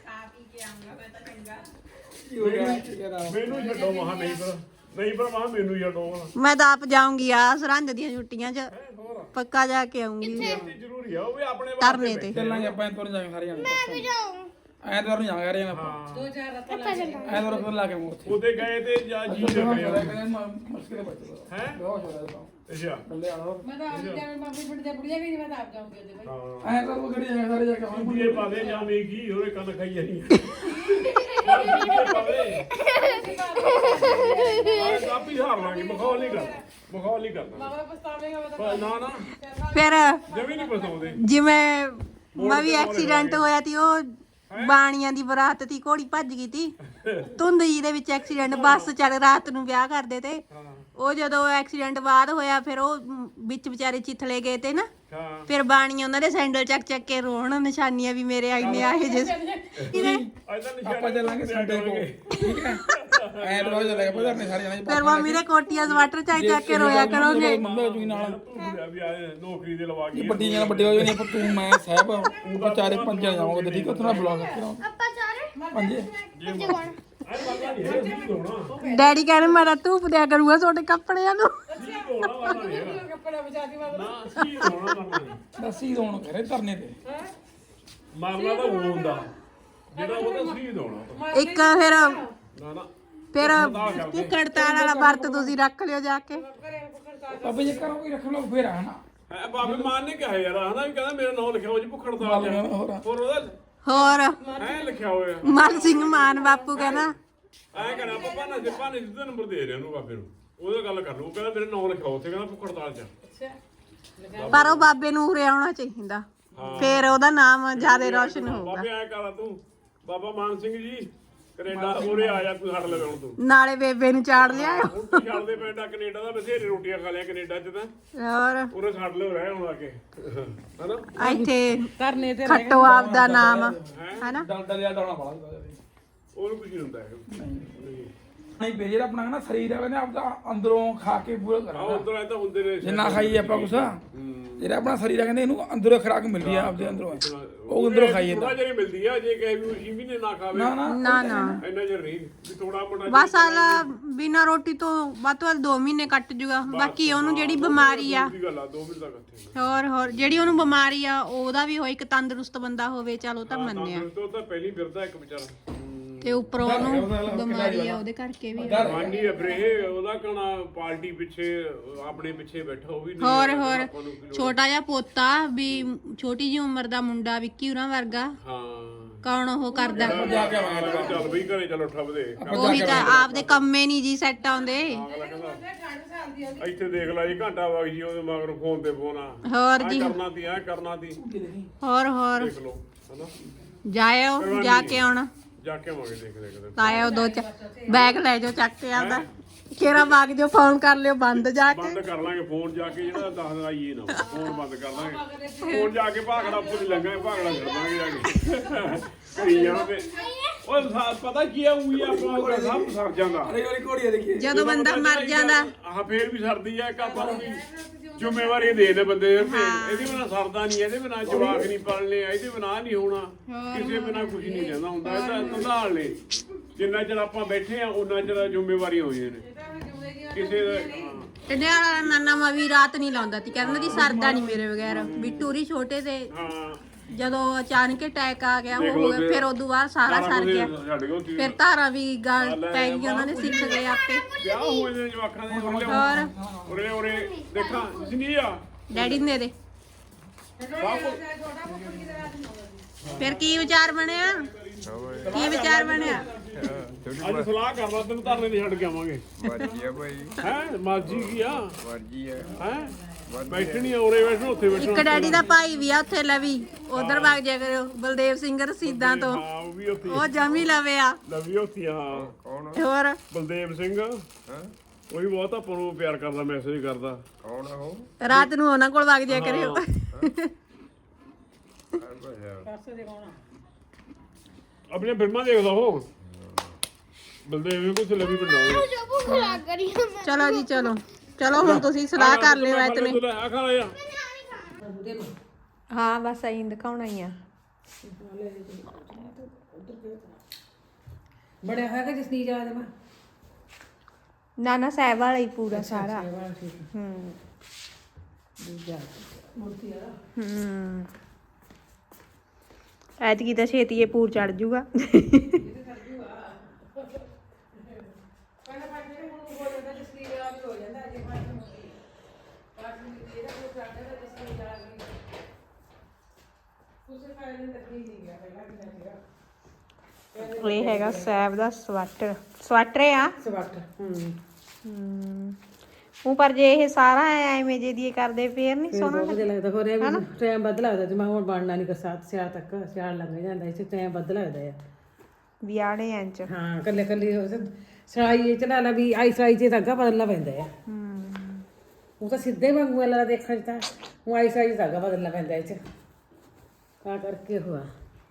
ਮੈਨੂੰ ਛੱਡੋ ਮਹਾ ਨਹੀਂ ਪਰ ਮਹਾ ਮੈਨੂੰ ਛੱਡੋ।
ਮੈਂ ਤਾਂ ਆਪ ਜਾਊਂਗੀ ਆ ਸਰਹੰਦ ਦੀਆਂ ਛੁੱਟੀਆਂ 'ਚ ਪੱਕਾ ਜਾ ਕੇ ਆਉਂਗੀ
ਜ਼ਰੂਰੀ ਆ ਉਹ ਵੀ ਆਪਣੇ
ਧਰਨੇ ਤੇ।
ਚੱਲਾਂਗੇ ਆਪਾਂ ਐਤਵਾਰ ਨੂੰ ਜਾਵਾਂਗੇ ਸਾਰੇ ਜਾਣੇ।
ਮੈਂ ਵੀ ਜਾਊਂ।
ਐਤਵਾਰ ਨੂੰ ਜਾਵਾਂਗੇ ਸਾਰੇ ਆਪਾਂ। ਐਤਵਾਰ ਫਿਰ ਲਾ ਕੇ ਮੂੰਹ ਉੱਥੇ।
ਉਹਦੇ ਗਏ ਤੇ ਜਾਂ ਜੀ ਰੱਖਣੇ ਆ
ਮੁਸ਼ਕਿਲ ਹੈ ਬੱਚਾ
ਹੈ
ਬਹੁਤ ਹੋ ਰਿਹਾ
ਅੱਛਾ
ਬੰਦੇ ਆਣਾ
ਮੈਂ ਤਾਂ ਆਪ ਜਾਣਾ ਬਾਬੇ ਪਿੰਡ ਦੇ ਬੁੜੀਆਂ ਵੀ ਨਹੀਂ ਮੈਂ ਤਾਂ ਆਪ ਜਾਊਂਗੀ ਉਹਦੇ ਵਿੱਚ।
ਹਾਂ
ਐਤਵਾਰ ਨੂੰ ਗੱਡੀ ਜਾਵਾਂਗੇ ਸਾਰੇ ਜਾ ਕੇ ਆਵਾਂਗੇ।
ਇਹ ਪਾਵੇ ਜਾਵੇਂ ਕੀ ਹੋਰੇ ਕੰਨ ਖਾਈ ਜਾਣੀ ਕਾਪੀ ਹਾਰ ਲਾਂਗੇ ਮਖੌਲ ਨਹੀਂ ਕਰਨਾ
ਬਾਬਾ ਪਛਤਾਵੇਂਗਾ ਮੈਂ ਤਾਂ
ਨਾ ਨਾ
ਫਿਰ
ਜਮੀ ਨਹੀਂ ਪਛਤਾਉਂਦੇ।
ਜਿਵੇਂ ਮੈਂ ਵੀ ਐਕਸੀਡੈਂਟ ਹੋਇਆ ਤੀ ਉਹ ਬਾਣੀਆਂ ਦੀ ਬਰਾਤ ਤੀ ਘੋੜੀ ਭੱਜ ਗਈ ਤੀ ਧੁੰਦ ਜੀ ਦੇ ਵਿੱਚ ਐਕਸੀਡੈਂਟ ਬੱਸ ਚੱਲ ਰਾਤ ਨੂੰ ਵਿਆਹ ਕਰਦੇ ਤੇ ਉਹ ਜਦੋਂ ਐਕਸੀਡੈਂਟ ਬਾਅਦ ਹੋਇਆ ਫਿਰ ਉਹ ਵਿੱਚ ਵਿਚਾਰੇ ਚਿੱਥਲੇ ਗਏ ਤੇ ਨਾ
ਹਾਂ
ਫਿਰ ਬਾਣੀਆਂ ਉਹਨਾਂ ਦੇ ਸੈਂਡਲ ਚੱਕ ਚੱਕ ਕੇ ਰੋਣ ਨਿਸ਼ਾਨੀਆਂ ਵੀ ਮੇਰੇ ਆਈਨੇ ਆਏ ਜੇ
ਆਪਾਂ ਚੱਲਾਂਗੇ ਸੰਡੇ ਕੋ ਠੀਕ ਹੈ। ਐਤਵਾਰ ਚੱਲਾਂਗੇ ਆਪਾਂ ਧਰਨੇ ਸਾਰੇ ਜਾਣੇ।
ਫਿਰ ਮੰਮੀ ਦੇ ਕੋਟੀਆਂ ਸਵਾਟਰ ਚੱਕ ਚੱਕ ਕੇ ਰੋਇਆ ਕਰੋਗੇ।
ਮੰਮੀ ਜੂਈ ਨਾਲ
ਵੀ ਆ ਨੌਕਰੀ ਦੇ ਲਵਾ ਗਈ
ਵੱਡੀ ਨਾਲ ਵੱਡੇ ਹੋ ਜਾਣੇ ਆਪਾਂ ਤੂੰ ਮੈਂ ਸਾਹਿਬ ਉਹ ਚਾਰੇ ਪੰਜਾਂ ਜਾਵਾਂਗੇ ਠੀਕ ਹੈ। ਉੱਥੇ ਨਾਲ ਬੁਲਾ ਸਕਦੇ ਹਾਂ
ਆਪਾਂ ਚਾਰੇ
ਪੰਜੇ।
ਪੰਜੇ ਕੋਣ?
ਐ ਬਾਬਾ ਨਹੀਂ ਹੈ ਜੀ ਹੋਣਾ
ਡੈਡੀ ਕਹਿੰਦੇ ਮੇਰਾ ਧੂਪ ਦਿਆ ਕਰੂਗਾ ਤੁਹਾਡੇ ਕੱਪੜਿਆਂ ਨੂੰ।
ਜੀ ਹੋਣਾ ਵਾਲਾ ਨਹੀਂ ਹੈਗਾ
ਕੱਪੜਾ ਬਚਾਦੀ ਬਾਬਾ
ਨਾ ਜੀ ਹੋਣਾ ਵਾਲਾ ਨਹੀਂ
ਦੱਸੀ ਦੋਣ ਕਰੇ ਧਰਨੇ ਤੇ
ਮਾਮਲਾ ਤਾਂ ਉਹ ਹੁੰਦਾ ਜਿਹੜਾ ਉਹਦਾ ਸ਼ਹੀਦ ਹੋਣਾ
ਇੱਕ ਫਿਰ
ਨਾ ਨਾ
ਫਿਰ ਭੁੱਖ ਹੜਤਾਲ ਵਾਲਾ ਵਰਤ ਤੁਸੀਂ ਰੱਖ ਲਿਓ ਜਾ ਕੇ।
ਬਾਬੇ ਜੇ ਕਰੋ ਕੋਈ ਰੱਖ ਲਓ ਫੇਰ ਆ ਨਾ
ਹੈ ਬਾਬੇ ਮਾਨ ਨੇ ਕਿਹਾ ਯਾਰ ਹਨਾ ਵੀ ਕਹਿੰਦਾ ਮੇਰਾ ਨਾਮ ਲਿਖਿਆ ਹੋ ਜੀ ਭੁੱਖੜ ਦਾ
ਹੋਰ
ਹੋਰ ਉਹਦਾ
ਹੋਰ
ਐ ਲਿਖਿਆ ਹੋਇਆ
ਮਨ ਸਿੰਘ ਮਾਨ ਬਾਪੂ ਕਹਿੰਦਾ
ਐ ਕਹਿੰਦਾ ਪਾਪਾ ਨਾ ਜਿੱਪਾ ਨੇ ਜਿੱਦਾਂ ਨੰਬਰ ਦੇ ਰਿਹਾ ਉਹਨੂੰ ਬਾਬੇ ਨੂੰ ਉਹਦਾ ਗੱਲ ਕਰ ਲੂ ਕਹਿੰਦਾ ਮੇਰੇ ਨਾਮ ਲਿਖਿਆ ਉੱਥੇ ਕਹਿੰਦਾ ਭੁੱਖੜ ਤਾਲ ਚ
ਪਰ ਉਹ ਬਾਬੇ ਨੂੰ ਉਰੇ ਆਉਣਾ ਚਾਹੀਦਾ ਫਿਰ ਉਹਦਾ ਨਾਮ ਜ਼ਿਆਦਾ ਰੌਸ਼ਨ ਹੋਊਗਾ।
ਬਾਬੇ ਐ ਕਰਾ ਤੂੰ ਬਾਬਾ ਮਾਨ ਸਿੰਘ ਜੀ ਕੈਨੇਡਾ ਉਰੇ ਆ ਜਾ ਤੂੰ ਛੱਡ ਲੈ ਹੁਣ ਤੂੰ
ਨਾਲੇ ਬੇਬੇ ਨੂੰ ਚਾੜ ਲਿਆਓ।
ਹੁਣ ਤੂੰ ਛੱਡਦੇ ਪਿੰਡਾ ਕੈਨੇਡਾ ਦਾ ਬਥੇਰੇ ਰੋਟੀਆਂ ਖਾ ਲਿਆ ਕੈਨੇਡਾ ਚ ਤਾਂ
ਹੋਰ
ਉਰੇ ਛੱਡ ਲਿਓ ਰਹਿ ਹੁਣ ਆ ਕੇ ਹਨਾ
ਇੱਥੇ
ਧਰਨੇ ਤੇ
ਖੱਟੋ ਆਪ ਦਾ ਨਾਮ ਹੈਨਾ।
ਡਾਲਦਾ ਲਿਆ ਡਾਉਣਾ ਬੜਾ
ਉਹਨੂੰ ਕੁਝ ਨਹੀਂ ਹੁੰਦਾ ਹੈਗਾ
ਨਹੀਂ ਬੇ ਜਿਹੜਾ ਆਪਣਾ ਨਾ ਸਰੀਰ ਹੈ ਨਾ ਆਪਦਾ ਅੰਦਰੋਂ ਖਾ ਕੇ ਪੂਰਾ
ਆ
ਕਰਨਾ
ਉਧਰ ਐ ਤਾਂ ਹੁੰਦੇ ਨੇ
ਜਿੰਨਾ ਖਾਈਏ ਆਪਾਂ ਕੁਛ ਜਿਹੜਾ ਆਪਣਾ ਸਰੀਰ ਹੈ ਕਹਿੰਦੇ ਇਹਨੂੰ ਅੰਦਰੋਂ ਖੁਰਾਕ ਮਿਲਦੀ ਆ ਆਪਦੇ ਅੰਦਰੋਂ ਉਹ ਅੰਦਰੋਂ ਖਾਈਏ
ਥੋੜਾ ਜਿਹਾ ਮਿਲਦੀ ਆ ਜੇ ਕਹੇ ਵੀ ਉਸੀ ਵੀ ਨੇ ਨਾ ਖਾਵੇ
ਨਾ ਨਾ
ਨਾ ਨਾ
ਇੰਨਾ ਜਿਹਾ ਨਹੀਂ ਵੀ ਥੋੜਾ ਮੋਟਾ
ਬਸ ਆਲਾ ਬਿਨਾ ਰੋਟੀ ਤੋਂ ਵੱਧ ਤੋਂ ਵੱਧ 2 ਮਹੀਨੇ ਕੱਟ ਜੂਗਾ। ਬਾਕੀ ਉਹਨੂੰ ਜਿਹੜੀ ਬਿਮਾਰੀ ਆ
ਦੀ ਗੱਲ ਆ 2 ਮਿੰਟ ਤੱਕ ਇੱਥੇ
ਹੋਰ ਜਿਹੜੀ ਉਹਨੂੰ ਬਿਮਾਰੀ ਆ ਉਹਦਾ ਵੀ ਹੋਏ ਇੱਕ ਤੰਦਰੁਸਤ ਬੰਦਾ ਹੋਵੇ ਚਲ ਉਹ ਤਾਂ ਮੰਨਿਆ
ਤੋਂ ਤਾਂ ਪਹਿਲੀ ਫਿਰਦਾ ਇੱਕ ਵਿਚਾਰਾ
ਤੇ ਉੱਪਰੋਂ ਉਹਨੂੰ ਬਿਮਾਰੀ ਆ ਉਹਦੇ ਕਰਕੇ ਵੀ ਆ।
ਮਾਨੀ ਅਬਰੇ ਉਹਦਾ ਕਹਣਾ ਪਾਰਟੀ ਪਿੱਛੇ ਆਪਣੇ ਪਿੱਛੇ ਬੈਠਾ ਉਹ ਵੀ ਨਹੀਂ
ਹੋਰ
ਆਪਾਂ
ਹੋਰ
ਨੂੰ ਕੀ ਲੋੜ।
ਛੋਟਾ ਜਿਹਾ ਪੋਤਾ ਵੀ ਛੋਟੀ ਜਿਹੀ ਉਮਰ ਦਾ ਮੁੰਡਾ ਵਿੱਕੀ ਉਰਾਂ ਵਰਗਾ
ਹਾਂ
ਕੌਣ ਉਹ ਕਰਦਾ
ਜਾ ਕੇ ਆਵਾਂਗੇ
ਚੱਲ ਬਈ ਘਰੇ ਚਲੋ ਠੱਬਦੇ
ਉਹੀ ਤਾਂ ਆਪਦੇ ਕੰਮੇ ਨਹੀਂ ਜੀ ਸੈੱਟ ਆਉਂਦੇ
ਅਗਲਾ ਕਹਿੰਦਾ ਇੱਥੇ ਦੇਖ ਲੈ ਜੀ ਘੰਟਾ ਵਗ ਜੀ ਉਹਦੇ ਮਗਰ ਫੋਨ ਤੇ ਫੋਨ ਆ
ਹੋਰ ਜੀ
ਕਰਨਾ ਤੀ ਐ ਕਰਨਾ ਤੀ
ਹੋਰ
ਦੇਖ ਲਓ ਹਨਾ
ਜਾਇਓ ਜਾ ਕੇ ਆਉਣਾ
ਜਾ ਕੇ ਆਵਾਂਗੇ ਦੇਖਦੇ ਕਦੇ
ਆਇਓ ਬੈਗ ਲੈ ਜਾਓ ਚੱਕ ਕੇ ਆਪਦਾ ਕਿਹੜਾ ਬਾਗ ਜੋ ਫੋਨ ਕਰ ਲਿਓ ਬੰਦ ਜਾ ਕੇ
ਬੰਦ ਕਰ ਲਾਂਗੇ ਫੋਨ ਜਾ ਕੇ ਜਿਹੜਾ ਦੱਸਦਾ ਆਈਏ ਨਾ ਫੋਨ ਬੰਦ ਕਰ ਲਾਂਗੇ ਫੋਨ ਜਾ ਕੇ ਭਾਗੜਾ ਉੱਪਰ ਹੀ ਲੰਘਾਂਗੇ ਭਾਗੜਾ ਛੱਡ ਦਾਂਗੇ ਜਾ ਕੇ ਕਰੀ ਜਾਵਾਂਗੇ ਉਹ ਪਤਾ ਕੀ ਆ ਉਹੀ ਆਪਣਾ ਸਭ ਸਰ ਜਾਂਦਾ
ਅਰੇ ਵਾਲੀ ਘੋੜੀਆਂ ਦੇਖੀ
ਜਦੋਂ ਬੰਦਾ ਮਰ ਜਾਂਦਾ
ਆਹ ਫੇਰ ਵੀ ਸਰਦੀ ਆ ਆਪਾਂ ਨੂੰ ਵੀ ਜ਼ਿੰਮੇਵਾਰੀ ਦੇ ਦੇ ਬੰਦੇ ਦੇ ਇਹਦੇ ਬਿਨਾ ਸਰਦਾ ਨਹੀਂ ਇਹਦੇ ਬਿਨਾ ਜਵਾਕ ਨਹੀਂ ਪਾਲਣੇ ਇਹਦੇ ਬਿਨਾ ਨਹੀਂ ਹੋਣਾ ਕਿਸੇ ਬਿਨਾ ਕੁਝ ਨਹੀਂ ਰਹਿੰਦਾ ਹੁੰਦਾ ਇਹ ਤਾਂ ਸੰਭਾਲ ਲੈ ਜਿੰਨਾ ਚਿਰ ਆਪਾਂ ਬੈਠੇ ਆ ਉਹਨਾਂ ਚਿਰ ਜ਼ਿੰਮੇਵਾਰੀ ਹੋਈਆਂ ਨੇ ਕਿਸੇ ਦਾ
ਤੇ ਨਿਆਣਾ ਨਾਨਾ ਮਾ ਵੀ ਰਾਤ ਨਹੀਂ ਲਾਉਂਦਾ ਤੀ ਕਹਿੰਦਾ ਦੀ ਸਰਦਾ ਨਹੀਂ ਮੇਰੇ ਬਗੈਰ ਵੀ ਟੂਰੀ ਛੋਟੇ ਤੇ
ਹਾਂ
ਜਦੋਂ ਅਚਾਨਕ ਅਟੈਕ ਆ ਗਿਆ ਉਹ ਹੋ ਗਿਆ ਫਿਰ ਉਦੋਂ ਬਾਅਦ ਸਾਰਾ ਸਰ ਗਿਆ
ਛੱਡ ਗਏ ਉੱਥੇ
ਫਿਰ ਧਾਰਾਂ ਵੀ ਗਲ ਪੈ ਗਈ ਉਹਨਾਂ ਨੇ ਸਿੱਖ ਗਏ ਆਪੇ
ਵਿਆਹ ਹੋਏ ਨੇ ਜਵਾਕਾਂ ਦੇ
ਹੋਰ
ਉਰੇ ਉਰੇ ਦੇਖਾਂ ਜਿੰਨੀ ਆ
ਡੈਡੀ ਨੇ ਦੇ ਫਿਰ ਕੀ ਵਿਚਾਰ ਬਣਿਆ ਕੀ ਵਿਚਾਰ ਬਣਿਆ
ਅੱਜ ਸਲਾਹ ਕਰਦਾ ਤੈਨੂੰ ਧਰਨੇ ਤੇ ਛੱਡ ਕੇ ਆਵਾਂਗੇ
ਮਰਜੀ ਆ ਭਾਈ
ਹੈ ਮਾਜੀ ਕੀ ਆ
ਮਰਜੀ ਆ
ਹੈ ਬੈਠਣੀ ਆ ਉਰੇ ਬੈਠੋ ਉੱਥੇ ਬੈਠੋ
ਇੱਕ ਡੈਡੀ ਦਾ ਭਾਈ ਵੀ ਆ ਉੱਥੇ ਲਵੀ ਉਧਰ ਵਗ ਜਾ ਕਰਿਓ ਬਲਦੇਵ ਸਿੰਘ ਰਸੀਦਾਂ ਤੋਂ
ਹਾਂ ਉਹ ਵੀ ਉੱਥੇ
ਉਹ ਜਮੀ ਲਵੇ ਆ
ਲਵੀ ਉੱਥੇ ਆ, ਹਾਂ
ਕੌਣ
ਹੋਰ
ਬਲਦੇਵ ਸਿੰਘ
ਹਾਂ
ਉਹ ਵੀ ਬਹੁਤ ਆਪਾਂ ਨੂੰ ਪਿਆਰ ਕਰਦਾ ਮੈਸੇਜ ਕਰਦਾ
ਕੌਣ ਆ ਉਹ
ਰਾਤ ਨੂੰ ਉਹਨਾਂ ਕੋਲ ਵਗ ਜਾ ਕਰਿਓ
ਆਪਣੀਆਂ ਫਿਲਮਾਂ ਦੇਖਦਾ ਉਹ ਬਲਦੇਵ ਵੀ ਕੁਝ ਲਵੀ ਪਿੰਡਾਂ
ਜੋ ਭੁੱਖ ਲੱਗ ਰਹੀ ਹੈ ਮੈਂ
ਚਲੋ ਜੀ ਚਲੋ ਹੁਣ ਤੁਸੀਂ ਸਲਾਹ ਕਰ ਲਿਓ ਐਤਨੇ
ਆ ਖਾ ਲਿਆ
ਹਾਂ ਬਸ ਐਂ ਦਿਖਾਉਣਾ ਹੀ ਆ
ਬੜਿਆ ਹੋਇਆ ਕਿ ਜਸਨੀ ਜਾ ਦੇ ਮੈਂ
ਨਾਨਾ ਸਾਹਿਬ ਵਾਲਾ ਹੀ ਪੂਰਾ ਸਾਰਾ ਹੂੰ ਐਤਕੀ ਤਾਂ ਛੇਤੀ ਇਹ ਪੂਰ ਚੜ ਜੂਗਾ ਇਹ ਹੈਗਾ ਸਾਹਿਬ ਦਾ ਸਵੈਟਰ ਆ ਉਹ ਪਰ ਜੇ ਇਹ ਸਾਰਾ ਐਵੇਂ ਜੇ ਦੀ ਕਰਦੇ ਫੇਰ ਨਹੀਂ ਸੋਹਣਾ
ਵਧੀਆ ਲੱਗਦਾ ਹੋਰ ਇਹ ਟਾਈਮ ਵੱਧ ਲੱਗਦਾ ਜੇ ਮੈਂ ਹੁਣ ਬਣਨਾ ਨਹੀਂ ਕਸਾਤ ਸਿਆਲ ਤੱਕ ਸਿਆਲ ਲੰਘ ਜਾਂਦਾ ਇਸ ਟਾਈਮ ਵੱਧ ਲੱਗਦਾ ਆ
ਵਿਆਹਣੇ ਇੰਚ
ਹਾਂ ਕੱਲੇ ਕੱਲੇ ਸਲਾਈ ਇਹ ਚਲਾ ਲਾ ਵੀ ਆਈ ਸਲਾਈ 'ਚ ਧਾਗਾ ਬਦਲਣਾ ਪੈਂਦਾ ਆ ਉਹ ਤਾਂ ਸਿੱਧੇ ਵਾਂਗੂ ਵਾਲਾ ਦੇਖਣ 'ਚ ਤਾਂ ਉਹ ਆਈ ਸਲਾਈ 'ਚ ਧਾਗਾ ਬਦਲਣਾ ਪੈਂਦਾ ਇਹ 'ਚ ਤਾਂ ਕਰਕੇ ਹੋਆ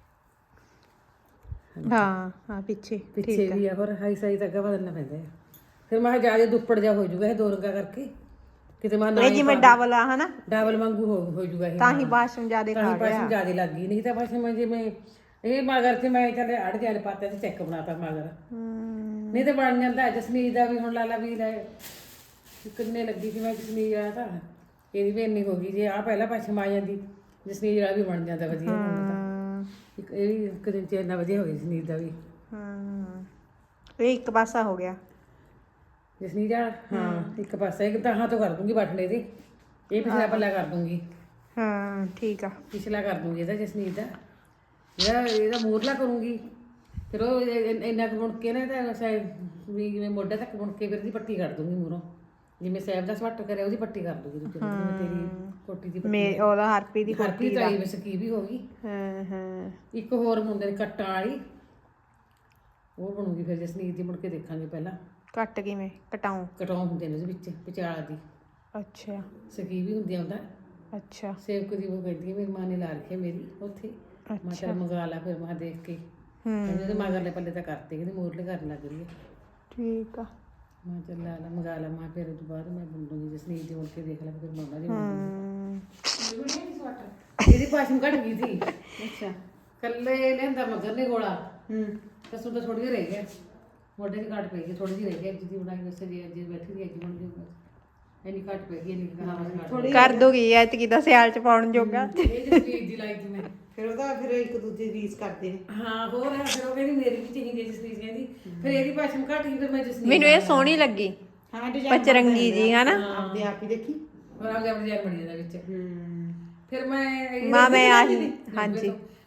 ਹਾਂ ਪਿੱਛੇ
ਪਿੱਛੇ ਵੀ ਆ ਹੋਰ ਆਈ ਸਲਾਈ ਧਾਗਾ ਬਦਲਣਾ ਪੈਂਦਾ ਆ ਫਿਰ ਮੈਂ ਜਿਆਦਾ ਦੁੱਪੜ ਜਾ ਹੋ ਜਾਊਗਾ ਇਹ ਦੋ ਰੰਗਾ ਕਰਕੇ ਕਿਤੇ ਮੈਂ ਨਾ
ਇਹ ਜਿਵੇਂ ਡਬਲ ਆ ਹਨਾ
ਡਬਲ ਵਾਂਗੂ ਹੋ ਜਾਊਗਾ ਇਹ
ਤਾਂ ਹੀ ਬਾਸ਼ਮ ਜਿਆਦੇ
ਤਾਂ
ਖਾ
ਹੀ ਪਾਸੋਂ ਜਿਆਦਾ ਲੱਗ ਗਈ ਨਹੀਂ ਤਾਂ ਪਾਸੋਂ ਮੈਂ ਜਿਵੇਂ ਇਹ ਮਗਰ ਤੇ ਮੈਂ ਚੱਲੇ ਅੜ ਜਾਣ ਪਾਤੇ ਤੇ ਚੈੱਕ ਬਣਾਤਾ ਮਗਰ ਨਹੀਂ ਤੇ ਬਣ ਜਾਂਦਾ ਜਸਮੀਤ ਦਾ ਵੀ ਹੁਣ ਲਾਲਾ ਵੀ ਲੈ ਕਿੰਨੇ ਲੱਗੀ ਸੀ ਮੈਂ ਜਸਮੀਤ ਆ ਤਾਂ ਇਹਦੀ ਵੀ ਇੰਨੀ ਹੋ ਗਈ ਜੇ ਆ ਪਹਿਲਾਂ ਪਾਸੋਂ ਆ ਜਾਂਦੀ ਜਸਮੀਤ ਵਾਲਾ ਵੀ ਬਣ ਜਾਂਦਾ ਵਧੀਆ ਇੱਕ ਇਹ ਵੀ ਇੱਕ ਦਿਨ ਚ ਇੰਨਾ ਵਧੀਆ ਹੋ ਗਿਆ ਜਸਮੀਤ ਦਾ ਵੀ
ਇਹ ਇੱਕ ਪਾਸਾ ਹੋ ਗਿਆ
ਜਸਮੀਤ ਵਾਲਾ ਹਾਂ ਇੱਕ ਪਾਸਾ ਇੱਕ ਤਾਂ ਤੋਂ ਕਰ ਦੂੰਗੀ ਬਟਨੇ ਦੀ ਇਹ ਪਿਛਲਾ ਪੱਲਾ ਕਰ ਦੂੰਗੀ
ਹਾਂ ਠੀਕ ਆ
ਪਿਛਲਾ ਕਰ ਦੂੰਗੀ ਇਹਦਾ ਜਸਮੀਤ ਦਾ ਇਹਦਾ ਮੋਰਲਾ ਕਰੂੰਗੀ ਫਿਰ ਉਹ ਇੰਨਾ ਕੁ ਬੁਣ ਕੇ ਨਾ ਤਾਂ ਵੀ ਜਿਵੇਂ ਮੋਢੇ ਤੱਕ ਬੁਣ ਕੇ ਫਿਰ ਇਹਦੀ ਪੱਟੀ ਕੱਢ ਦੂੰਗੀ ਮੂਰੋਂ ਜਿਵੇਂ ਸਾਹਿਬ ਦਾ ਸਵੱਟ ਕਰਿਆ ਉਹਦੀ ਪੱਟੀ ਕਰ ਦੂੰਗੀ ਦੂਜੇ ਜਿਵੇਂ ਤੇਰੀ ਕੋਟੀ ਦੀ ਪੱਟੀ
ਉਹਦਾ ਹਰਪੀ ਦੀ
ਹਰਪੀ ਤਾਈ ਵਿੱਚ ਕੀ ਵੀ ਹੋ ਗਈ
ਹਾਂ
ਇੱਕ ਹੋਰ ਮੁੰਡੇ ਦੀ ਕੱਟਾਂ ਵਾਲੀ ਉਹ ਬਣੂਗੀ ਫਿਰ ਜਸਨੀਤ ਦੀ ਮੁੜ ਕੇ ਦੇਖਾਂਗੇ ਪਹਿਲਾਂ
ਕੱਟ ਕਿਵੇਂ ਕਟਾਉਂ
ਕਟਾਉਂ ਹੁੰਦੇ ਨੇ ਉਹਦੇ ਵਿੱਚ ਵਿਚਾਲਾ ਦੀ
ਅੱਛਾ
ਸਕੀ ਵੀ ਹੁੰਦੀ ਆਉਂਦਾ
ਅੱਛਾ
ਸੇਵਕ ਦੀ ਉਹ ਕਹਿੰਦੀ ਮੇਰੀ ਮਾਂ ਨੇ ਲਾ ਰੱਖਿਆ ਮੇਰੀ ਉੱਥੇ ਮੈਂ ਤਾਂ ਮੰਗਾ ਲਾ ਫਿਰ ਮੈਂ ਦੇਖ ਕੇ ਉਹਦੇ ਮਗਰਲੇ ਪੱਲੇ ਤਾਂ ਕਰਤੇ ਕਹਿੰਦੀ ਮੋਰਲੇ ਕਰਨ ਲੱਗ ਰਹੀ ਹੈ
ਠੀਕ ਆ
ਮੈਂ ਚੱਲ ਲਾ ਮੰਗਾ ਲਾ ਮੈਂ ਫਿਰ ਉਸ ਤੋਂ ਬਾਅਦ ਮੈਂ ਬੁੰਦੂਗੀ ਜਸਨੀਤ ਦੀ ਮੁੜ ਕੇ ਦੇਖ ਲਾ ਫਿਰ ਮੰਗਾ ਜੀ ਇਹਦੀ ਪਾਸ਼ਮ ਘਟ ਗਈ ਸੀ ਅੱਛਾ ਕੱਲੇ ਲੈਂਦਾ ਮਗਰ ਨੇ ਗੋਲਾ ਕਸੂ ਤਾਂ ਥੋੜੀ ਜਿਹੀ ਰਹਿ ਗਿਆ ਮੋਢੇ ਦੀ ਘਟ ਪਈ ਗਈ ਥੋੜੀ ਜਿਹੀ ਰਹਿ ਗਈ ਜਿੱਦੀ ਬਣਾਈ ਵੈਸੇ ਜੇ ਅੱਜ ਬੈਠੀ ਦੀ ਅੱਜ ਬਣ ਗਈ ਇੰਨੀ ਘਟ ਪਈ ਗਈ ਇੰਨੀ ਕਹਾਵਤ
ਕਰ ਦੋਗੀ ਐਤਕੀ ਦਾ ਸਿਆਲ ਚ ਪਾਉਣ ਜੋਗਾ
ਇਹ ਜਸਨੀਤ ਦੀ ਲਾਈ ਸੀ ਮੈਂ
ਫਿਰ ਉਹਦਾ ਫਿਰ ਇੱਕ ਦੂਜੇ ਦੀ ਰੀਸ ਕਰਦੇ ਨੇ
ਹਾਂ ਹੋਰ ਹੈ ਫਿਰ ਉਹ ਕਹਿੰਦੀ ਮੇਰੀ ਵੀ ਚਾਹੀਦੀ ਹੈ ਜਸਨੀਤ ਕਹਿੰਦੀ ਫਿਰ ਇਹਦੀ ਪਾਸ਼ਮ ਘਟ ਗਈ ਫਿਰ ਮੈਂ ਜਸਨੀਤ
ਮੈਨੂੰ ਇਹ ਸੋਹਣੀ ਲੱਗੀ
ਹਾਂ ਡਿਜ਼ਾਈਨ
ਪਚਰੰਗੀ ਜੀ ਹਨਾ
ਆਪਦੇ ਆਪ ਹੀ ਦੇਖੀ
ਹੋਰ ਆਪਦੇ ਆਪਣੇ ਜੈਨ ਬਣੀ ਜਾਂਦਾ ਵਿੱਚ ਫਿਰ ਮੈਂ
ਮਾਂ ਮੈਂ ਆਹੀ ਹਾਂਜੀ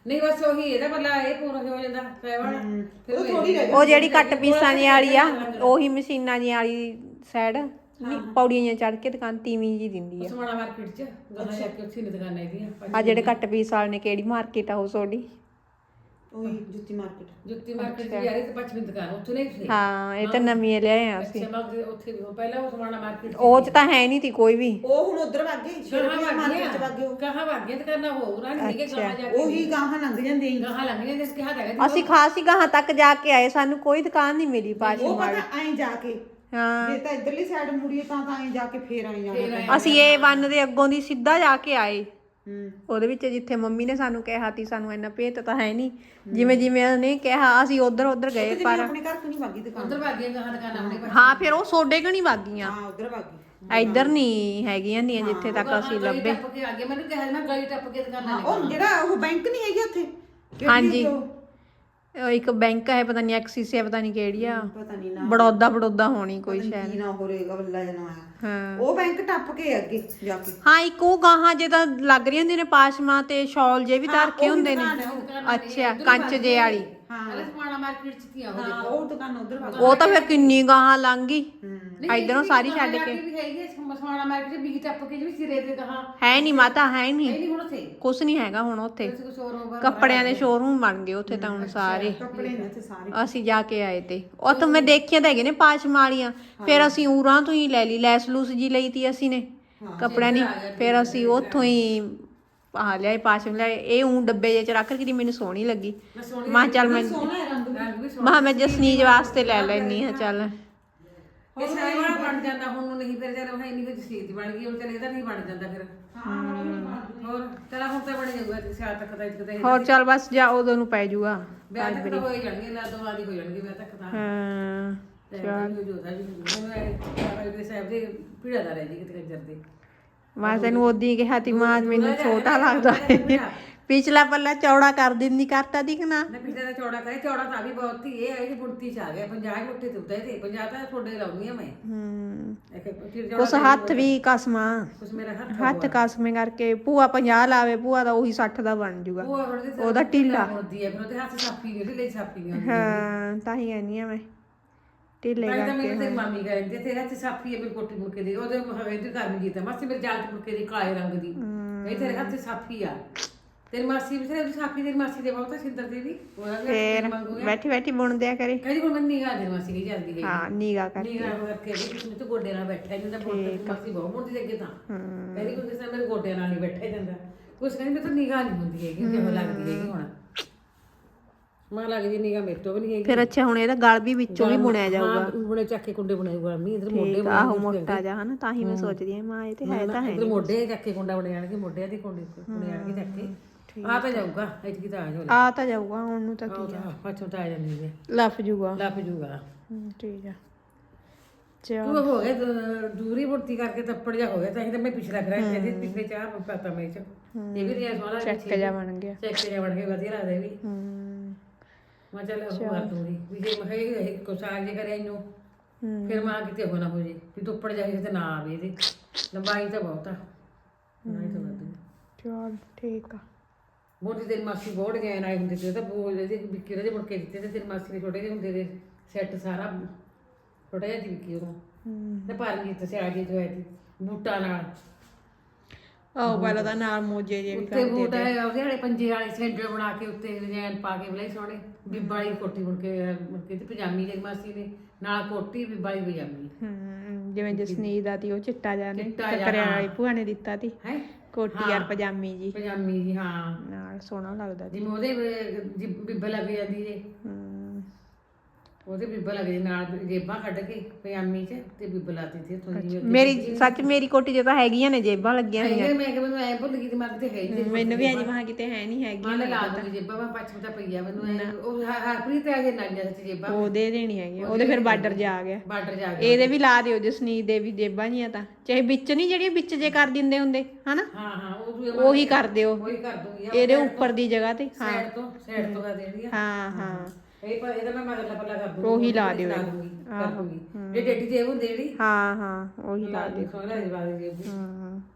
ਨਹੀਂ ਬਸ ਉਹੀ ਇਹਦਾ ਬੱਲਾ ਇਹ ਪੂਰਾ ਹੋ ਜਾਂਦਾ ਪੈਵਾਂ ਫਿਰ
ਉਹ ਥੋੜੀ ਰਹਿ
ਉਹ ਜਿਹੜੀ ਕੱਟ ਪੀਸਾਂ ਦੀ ਵਾਲੀ ਆ ਉਹੀ ਮਸ਼ੀਨਾਂ ਦੀ ਵਾਲੀ ਸਾਈਡ ਪੌੜੀਆਂ ਚੜ ਕੇ ਦੁਕਾਨ ਤੀਵੀਂ ਜੀ ਦਿੰਦੀ ਆ
ਸਮਾਣਾ ਮਾਰਕੀਟ ਚ ਗਾਣਾ ਜਾ ਕੇ ਉੱਥੇ ਨੇ ਦੁਕਾਨਾਂ ਇਹਦੀਆਂ
ਆ ਜਿਹੜੇ ਕੱਟ ਪੀਸ ਵਾਲੇ ਨੇ ਕਿਹੜੀ ਮਾਰਕੀਟ ਆ ਉਹ ਤੁਹਾਡੀ
ਉਹੀ ਜੁੱਤੀ ਮਾਰਕੀਟ
ਜੁੱਤੀ ਮਾਰਕੀਟ ਦੀ ਯਾਰੀ ਤੇ ਪੱਛਮੀ ਦੁਕਾਨ ਉੱਥੇ ਨਹੀਂ ਸੀ
ਹਾਂ ਇਹ ਤਾਂ ਨਵੀਂ ਲਿਆਏ ਆ ਅਸੀਂ
ਅੱਛਾ ਮੈਂ ਉੱਥੇ ਪਹਿਲਾਂ ਉਹ ਸਮਾਣਾ ਮਾਰਕੀਟ
ਉਹ ਚ ਤਾਂ ਹੈ ਨਹੀਂ ਤੀ ਕੋਈ ਵੀ
ਉਹ ਹੁਣ ਉਧਰ ਵਗ ਗਏ ਸ਼ੇਰਪੁਰ ਮਾਰਕੀਟ ਚ ਵਗ ਗਏ ਉਹ।
ਕਹਾਂ ਵਾਗੀਆਂ ਦੁਕਾਨਾਂ ਹੋਰ ਆ ਨਹੀਂ ਕਿ ਗਾਹਾਂ ਜਾ ਕੇ
ਉਹੀ ਗਾਹਾਂ ਲੰਘ ਜਾਂਦੇ ਈ।
ਗਾਹਾਂ ਲੰਘੀਆਂ ਜਿਸ ਕਿਹਾ ਹੈਗਾ
ਅਸੀਂ ਖਾਸੀ ਗਾਹਾਂ ਤੱਕ ਜਾ ਕੇ ਆਏ ਸਾਨੂੰ ਕੋਈ ਦੁਕਾਨ ਨਹੀਂ ਮਿਲੀ ਪਾਸ਼ੀ
ਉਹ
ਵਾਲੀ
ਪਤਾ ਐਂ ਜਾ ਕੇ
ਹਾਂ
ਜੇ ਤਾਂ ਇਧਰਲੀ ਸਾਈਡ ਮੁੜੀਏ ਤਾਂ ਐਂ ਜਾ ਕੇ ਫੇਰ ਐਂ ਜਾਣਾ
ਅਸੀਂ ਇਹ ਬੰਨ ਦੇ ਅੱਗੋਂ ਦੀ ਸਿੱਧਾ ਜਾ ਕੇ ਆਏ
ਹੂੰ
ਉਹਦੇ ਵਿੱਚ ਜਿੱਥੇ ਮੰਮੀ ਨੇ ਸਾਨੂੰ ਕਿਹਾ ਤੀ ਸਾਨੂੰ ਇੰਨਾ ਭੇਤ ਤਾਂ ਹੈ ਨਹੀਂ ਜਿਵੇਂ ਜਿਵੇਂ ਉਹਨੇ ਕਿਹਾ ਅਸੀਂ ਉਧਰ ਗਏ ਪਰ
ਆਪਣੇ ਘਰ ਤੋਂ ਨਹੀਂ ਵਾਗੀ ਦੁਕਾਨ
ਉਧਰ ਵਾਗੀਆਂ ਗਾਹਾਂ ਦੁਕਾਨਾਂ ਆਪਣੇ
ਹਾਂ ਫਿਰ ਉਹ ਸੋਡੇ ਕਣੀ ਵਾਗੀਆਂ
ਹਾਂ ਉਧਰ ਵਾਗੀ
ਇੱਧਰ ਨਹੀਂ ਹੈਗੀਆਂ ਨੀਆਂ ਜਿੱਥੇ ਤੱਕ ਅਸੀਂ ਲੱਭੇ
ਟੱਪ ਕੇ ਆ ਗਏ ਮੈਨੂੰ ਕਿਹਾ ਮੈਂ ਗਲੀ ਟੱਪ ਕੇ ਦੁਕਾਨਾਂ
ਉਹ ਜਿਹੜਾ ਉਹ ਬੈਂਕ ਨਹੀਂ ਹੈਗੀ ਉੱਥੇ ਕਿਹੜੀ
ਹਾਂਜੀ
ਉਹ?
ਉਹ ਇੱਕ ਬੈਂਕ ਹੈ ਪਤਾ ਨਹੀਂ ਐਕਸਿਸ ਹੈ ਪਤਾ ਨਹੀਂ ਕਿਹੜੀ ਆ
ਪਤਾ ਨਹੀਂ ਨਾ
ਬੜੌਦਾ ਹੋਣੀ ਕੋਈ ਸ਼ਾਇਦ
ਕੀ ਨਾ ਹੋਰੇਗਾ ਬੱਲਾ ਜਨਾ ਆਇਆ
ਹਾਂ
ਉਹ ਬੈਂਕ ਟੱਪ ਕੇ ਅੱਗੇ ਜਾ ਕੇ
ਹਾਂ ਇੱਕ ਉਹ ਗਾਹਾਂ ਜੇ ਤਾਂ ਲੱਗ ਰਹੀ ਹੁੰਦੀ ਨੇ ਪਾਸ਼ਮਾ ਤੇ ਸ਼ਾਲ ਜੇ ਵੀ ਤਾਂ ਰੱਖੇ ਹੁੰਦੇ ਨੇ ਅੱਛਾ ਕੰਚ ਜੇ ਵਾਲੀ
ਹਾਂ
ਸਮਾਣਾ ਮਾਰਕੀਟ ਚ ਕੀ ਆ
ਹਾਂ ਉਹ ਦੁਕਾਨ ਉਧਰ ਵਗ
ਉਹ ਤਾਂ ਫਿਰ ਕਿੰਨੀ ਗਾਹਾਂ ਲੰਘ ਗਈ ਇਧਰੋਂ ਸਾਰੀ ਛੱਡ ਕੇ
ਵੀ ਹੈਗੀ ਸਮਾਣਾ ਮਾਰਕੀਟ ਵੀ ਟੱਪ ਕੇ ਜਿਵੇਂ ਸਿਰੇ ਤੇ ਗਾਹਾਂ
ਹੈ ਨਹੀਂ ਮਾਤਾ ਹੈ ਨਹੀਂ
ਨਹੀਂ ਹੁਣ ਉੱਥੇ
ਕੁਛ ਨਹੀਂ ਹੈਗਾ ਹੁਣ ਉੱਥੇ
ਕੁਝ ਹੋਰ ਹੋਗਾ
ਕੱਪੜਿਆਂ ਦੇ ਸ਼ੋਰੂਮ ਬਣ ਗਏ ਉੱਥੇ ਤਾਂ ਹੁਣ ਸਾਰੇ
ਕੱਪੜੇ ਨੇ ਉੱਥੇ ਸਾਰੇ
ਅਸੀਂ ਜਾ ਕੇ ਆਏ ਤੇ ਉੱਥੇ ਮੈਂ ਦੇਖਿਆ ਤਾਂ ਹੈਗੇ ਨੇ ਪਾਸ਼ਮਾ ਵਾਲੀਆਂ ਫਿਰ ਅਸੀਂ ਉਰਾਂ ਤੋਂ ਹੀ ਲੈ ਲਈ ਲੈਸ ਲੂਸ ਜੀ ਲਈ ਤੀ ਅਸੀਂ ਨੇ ਕੱਪੜਿਆਂ ਦੀ ਫਿਰ ਅਸੀਂ ਉੱਥੋਂ ਹੀ ਆਹ ਲਿਆਏ ਪਾਸ਼ਮ ਲਿਆਏ ਇਹ ਡੱਬੇ ਜਿਹੇ ਚ ਰੱਖ ਕੇ ਮੈਨੂੰ ਸੋਹਣੀ ਲੱਗੀ ਮੈਂ ਚੱਲ ਮੈਂ ਮੈਂ ਜਸਨੀਜ ਵਾਸਤੇ ਲੈ ਲੈਣੀ ਆ ਚੱਲ
ਇਹ ਸਾਰਾ ਵਾਲਾ ਬਣ ਜਾਂਦਾ ਹੁਣ ਨੂੰ ਨਹੀਂ ਫਿਰ ਜਦ ਉਹ ਇੰਨੀ ਕੁ ਚੀਜ਼ ਬਣ ਗਈ ਹੁਣ ਚਲੇ ਇਹਦਾ ਨਹੀਂ ਬਣ ਜਾਂਦਾ ਫਿਰ ਹੋਰ ਤੇਰਾ ਹੁਣ ਤਾਂ ਬਣ ਜਾਊਗਾ ਤੇ ਸਿਆਲ ਤੱਕ ਤਾਂ ਇੱਕ ਤਾਂ
ਹੋਰ ਚੱਲ ਬਸ ਜਾ ਉਦੋਂ ਨੂੰ ਪੈ ਜਾਊਗਾ
ਵਿਆਹ ਤੱਕ ਤਾਂ ਹੋ ਹੀ ਜਾਣਗੇ ਨਾ ਦੋ ਵਾਰੀ ਹੋ ਜਾਣਗੇ ਵਿਆਹ ਤੱਕ ਤਾਂ
ਹਾਂ
ਚੱਲ ਜੋਦਾ ਵੀ ਮੈਨੂੰ ਇਹ ਸਾਹਿਬ ਦੇ ਪੀੜਾ ਦਾ ਰਹਿ ਜੀ ਕਿਤੇ ਕੰਜਰ ਦੇ
ਮੈਂ ਤੈਨੂੰ ਉਦੋਂ ਕਿਹਾ ਤੀ ਮਾਂ ਮੈਨੂੰ ਛੋਟਾ ਲੱਗਦਾ ਹੈ ਪਿਛਲਾ ਪੱਲਾ ਚੌੜਾ ਕਰ ਦਿੰਦੀ ਕਰਤਾ ਦੀ ਕਿ ਨਾ
ਪਿਛਲੇ ਦਾ ਚੌੜਾ ਕਰੇ ਚੌੜਾ ਤਾਂ ਵੀ ਬਹੁਤ ਹੀ ਇਹ ਹੈ ਕਿ ਬੁਣਤੀ ਚ ਆ ਗਿਆ 50 ਮੁੱਠੇ ਤੇ ਉੱਤੇ ਤੇ 50 ਤਾਂ ਤੁਹਾਡੇ ਲਾਉਣੀ ਆ ਮੈਂ
ਉਸ ਹੱਥ ਵੀ ਕਸਮਾਂ
ਕੁਛ ਮੇਰਾ
ਹੱਥ ਕਸਮੇ ਕਰਕੇ ਭੂਆ 50 ਲਾਵੇ ਭੂਆ ਦਾ ਉਹੀ 60 ਦਾ ਬਣ ਜੂਗਾ ਉਹਦਾ ਢਿੱਲਾ
ਹੁੰਦੀ ਹੈ ਫਿਰ ਉਹਦੇ ਹੱਥ ਸਾਫੀ ਨਹੀਂ ਢਿੱਲੇ ਸਾਫੀ ਨਹੀਂ
ਹਾਂ ਤਾਂ ਹੀ ਕਹਿੰਦੀ ਆ ਮੈਂ ਢਿੱਲੇ
ਤਾਂ
ਕਰਕੇ
ਮੈਨੂੰ ਤੇਰੀ ਮਾਮੀ ਕਹਿੰਦੀ ਤੇਰੇ ਹੱਥ ਸਾਫੀ ਹੈ ਮੇਰੇ ਕੋਟੀ ਮੁੜ ਕੇ ਦੇ ਉਹਦੇ ਹਵੇ ਤੇ ਘਰ ਨੂੰ ਜੀਤਾ ਮਾਸੀ ਮੇਰੇ ਜਾਲ ਮੁੜ ਕੇ ਦੀ ਕਾਲੇ ਰੰਗ ਦੀ ਇਹ ਤੇਰੇ ਹੱਥ ਸਾਫੀ ਆ ਤੇਰੀ ਮਾਸੀ ਵੀ ਤੇਰੀ ਸਾਫੀ ਤੇਰੀ ਮਾਸੀ ਦੇ ਬਹੁਤ ਸਿੰਦਰ ਦੀ ਵੀ ਉਹਦਾ ਵੀ
ਫੇਰ ਬੈਠੀ ਬੈਠੀ ਬੁਣ ਦਿਆ ਕਰੇ
ਕਹਿੰਦੀ ਹੁਣ ਮੈਂ ਨਿਗਾਹ ਦੇ ਮਾਸੀ ਨਹੀਂ ਜਾਂਦੀ ਹੈ
ਹਾਂ ਨੀਗਾ ਕਰਕੇ
ਨਿਗਾਹ ਕਰਕੇ ਵੀ ਤੁਸੀਂ ਤੇ ਗੋਡੇ ਨਾਲ ਬੈਠਾ ਜਾਂਦਾ ਮਾਸੀ ਬਹੁਤ ਮੁੰਡੀ ਲੱਗੇ ਤਾਂ ਕਹਿੰਦੀ ਕੋਈ ਕਿਸੇ ਮੇਰੇ ਗੋਡੇ ਨਾਲ ਨਹੀਂ ਬੈਠਾ ਜਾਂਦਾ ਕੁਛ ਕਹਿੰਦੀ ਮੈਂ ਤਾਂ ਨਿਗਾਹ ਨਹੀਂ ਹੁੰਦੀ ਹੈਗੀ ਕਿਵੇਂ ਲੱਗਦੀ ਹੈਗੀ ਹੁਣ ਮਾਂ ਲੱਗਦੀ ਨਿਗਾਹ ਮੇਰੇ ਤੋਂ ਵੀ ਨਹੀਂ ਹੈਗੀ
ਫਿਰ ਅੱਛਾ ਹੁਣ ਇਹਦਾ ਗਲ ਵੀ ਵਿੱਚੋਂ ਵੀ ਬੁਣਿਆ ਜਾਊਗਾ
ਬੁਣੇ ਚੱਕ ਕੇ ਕੁੰਡੇ ਬੁਣੇ ਜਾਊਗਾ ਮੀ ਇਧਰ ਮੋਢੇ
ਆਹੋ ਮੋਟਾ ਜਾ ਹਨਾ ਤਾਂ ਹੀ ਮੈਂ ਸੋਚਦੀ ਆ ਮਾਂ ਇਹ ਤੇ ਹੈ ਤਾਂ ਹੈ
ਇਧਰ ਮੋਢੇ ਚੱਕ ਕੇ ਕੁੰਡਾ ਬਣੇ ਜਾਣਗੇ ਮੋਢਿਆਂ ਦੀ ਕੁੰਡੇ ਬੁਣੇ ਜਾਣਗੇ ਚੱਕ ਕੇ ਆ ਤਾਂ ਜਾਊਗਾ ਇਤਕੀ ਤਾਂ ਆ ਜਾਊਗਾ
ਆ ਤਾਂ ਜਾਊਗਾ ਹੁਣ ਨੂੰ ਤਾਂ ਕੀ ਆ
ਪਛੋਂ ਤਾਂ ਆ ਜਾਂਦੀ ਹੈ
ਲੱਫ ਜੂਗਾ
ਲੱਭ ਜੂਗਾ
ਠੀਕ ਆ ਚਲ
ਤੂੰ ਹੋ ਗਿਆ ਦੂਰੀ ਮੁਰਤੀ ਕਰਕੇ ਤੱਪੜ ਜਾ ਹੋ ਗਿਆ ਤਾਂ ਇਹ ਤਾਂ ਮੈਂ ਪਿਛਲਾ ਕਰਾਂ ਇਹਦੇ ਪਿਛਲੇ ਚਾਹ ਪਤਾ ਮੈਂ ਚ ਇਹ ਵੀ ਰਿਆ ਸੋਹਣਾ
ਚੱਕ ਜਾ ਬਣ ਗਿਆ
ਚੈੱਕ ਜਾ ਬਣ ਕੇ ਵਧੀਆ ਲੱਗਦਾ ਇਹ ਵੀ ਮੈਂ ਚੱਲ ਉਹ ਕਰ ਦੂੰਗੀ ਵੀ ਜੇ ਮੈਂ ਇਹ ਕੁਸਾਗ ਜੇ ਕਰਿਆ ਇਹਨੂੰ ਫਿਰ ਮਾਂ ਕਿਤੇ ਹੋਣਾ ਹੋ ਜੇ ਵੀ ਤੱਪੜ ਜਾਏ ਤੇ ਨਾ ਆਵੇ ਇਹਦੇ ਲੰਬਾਈ ਤਾਂ ਬਹੁਤ ਆ ਨਹੀਂ ਤਾਂ ਵੱਧ
ਚਲ ਠੀਕ ਆ
ਮੋਟੀ ਤੇਰੀ ਮਾਸੀ ਬੋੜ ਗਏ ਨਾ ਹੁੰਦੇ ਤੇ ਤਾਂ ਬੋਲ ਦੇ ਵਿੱਕੀ ਦੇ ਮੁੜ ਕੇ ਦਿੱਤੇ ਤੇ ਤੇਰੀ ਮਾਸੀ ਦੇ ਛੋਟੇ ਜਿਹੇ ਹੁੰਦੇ ਦੇ ਸੈੱਟ ਸਾਰਾ ਛੋਟਾ ਜਿਹਾ ਵਿੱਕੀ ਉਹ ਤੇ ਪਰਮਜੀਤ ਸੇ ਆ ਗਈ ਜੋ ਹੈ ਬੂਟਾ ਨਾਲ
ਆਹ ਪਹਿਲਾਂ ਤਾਂ ਨਾਲ ਮੋਜੇ ਜੇ ਵੀ
ਉੱਤੇ ਬੂਟ ਹੈ ਉਹਦੇ ਵਾਲੇ ਪੰਜੇ ਵਾਲੇ ਸੈਂਡਲ ਬਣਾ ਕੇ ਉੱਤੇ ਡਿਜ਼ਾਈਨ ਪਾ ਕੇ ਬਲੇ ਸੋਹਣੇ ਬੀਬਾ ਵਾਲੀ ਕੋਟੀ ਮੁੜ ਕੇ ਤੇ ਪਜਾਮੀ ਤੇਰੀ ਮਾਸੀ ਨੇ ਨਾਲ ਕੋਟੀ ਬੀਬਾ ਵਾਲੀ ਪਜਾਮੀ
ਜਿਵੇਂ ਜਸਨੀਤ ਦਾ ਤੀ ਉਹ ਚਿੱਟਾ ਜਿਹਾ ਨੇ
ਚਿੱਟਾ ਜਿਹਾ,
ਕਰਿਆ ਵਾਲੀ ਭੂਆ ਨੇ ਦਿੱਤਾ ਤੀ
ਹੈ
ਕੋਟੀ ਯਾਰ ਪਜਾਮੀ ਜੀ
ਪਜਾਮੀ ਜੀ ਹਾਂ
ਨਾਲ ਸੋਹਣਾ ਲੱਗਦਾ ਤੀ
ਜਿਵੇਂ ਉਹਦੇ ਬੀਬਾ ਲੱਗ ਜਾਂਦੀ ਜੇ ਉਹਦੇ ਬੀਬਾ ਲੱਗ ਜਾਂਦੀ ਨਾਲ ਜੇਬਾਂ ਕੱਢ ਕੇ ਪਜਾਮੀ 'ਚ ਤੇ ਬੀਬਾ ਲਾਤੀ ਸੀ ਥੋੜੀ
ਮੇਰੀ ਸੱਚ ਮੇਰੀ ਕੋਟੀ 'ਚ ਤਾਂ ਹੈਗੀਆਂ ਨੇ ਜੇਬਾਂ ਲੱਗੀਆਂ ਹੋਈਆਂ
ਮੈਂ ਕਿ ਮੈਨੂੰ ਐ ਭੁੱਲ ਗਈ ਦਿਮਾਗ ਤੇ ਹੈ ਹੀ ਨਹੀਂ
ਮੈਨੂੰ ਵੀ ਅਜੇ ਮਹਾਂ ਕਿਤੇ ਹੈ ਨਹੀਂ ਹੈਗੀ
ਮੈਂ ਲਾ ਦੂੰਗੀ ਜੇਬਾਂ ਮੈਂ ਪੱਛਮ ਤਾਂ ਪਈ ਆ ਮੈਨੂੰ ਉਹ ਹਰਪ੍ਰੀਤ ਆ ਕੇ ਨਾਲ ਜਾਂ ਜੇਬਾਂ
ਉਹ ਦੇ ਦੇਣੀ ਹੈਗੀ ਉਹਦੇ ਫਿਰ ਬਾਰਡਰ ਜਾ ਆ ਗਿਆ
ਬਾਰਡਰ ਜਾ ਕੇ
ਇਹਦੇ ਵੀ ਲਾ ਦਿਓ ਜਸਨੀਤ ਦੇ ਵੀ ਜੇਬਾਂ ਜੀਆਂ ਤਾਂ ਚਾਹੇ ਵਿੱਚ ਨਹੀਂ ਜਿਹੜੀਆਂ ਵਿੱਚ ਜੇ ਕਰ ਦਿੰਦੇ ਹੁੰਦੇ ਹਨਾ
ਹਾਂ
ਉਹੀ ਕਰ ਦਿਓ
ਉਹੀ ਕਰ ਦੂੰਗੀ
ਇਹਦੇ ਉੱਪਰ ਦੀ ਜਗ੍ਹਾ ਤੇ
ਸਾਈਡ ਤੋਂ ਕਰ ਦੇਣੀ ਆ
ਹਾਂ
ਇਹ ਪਰ ਇਹਦਾ ਮੈਂ ਮਗਰਲਾ ਪੱਲਾ ਕਰ ਦੂੰਗੀ
ਉਹੀ ਲਾ ਦਿਓ
ਕਰ ਦੂੰਗੀ ਜੇ ਡੇਡੀ ਜੇਬ ਹੁੰਦੀ ਜਿਹੜੀ
ਹਾਂ ਉਹੀ ਲਾ ਦਿਓ
ਸੋਹਣਾ ਜਵਾਬ ਦੇ
ਹਾਂ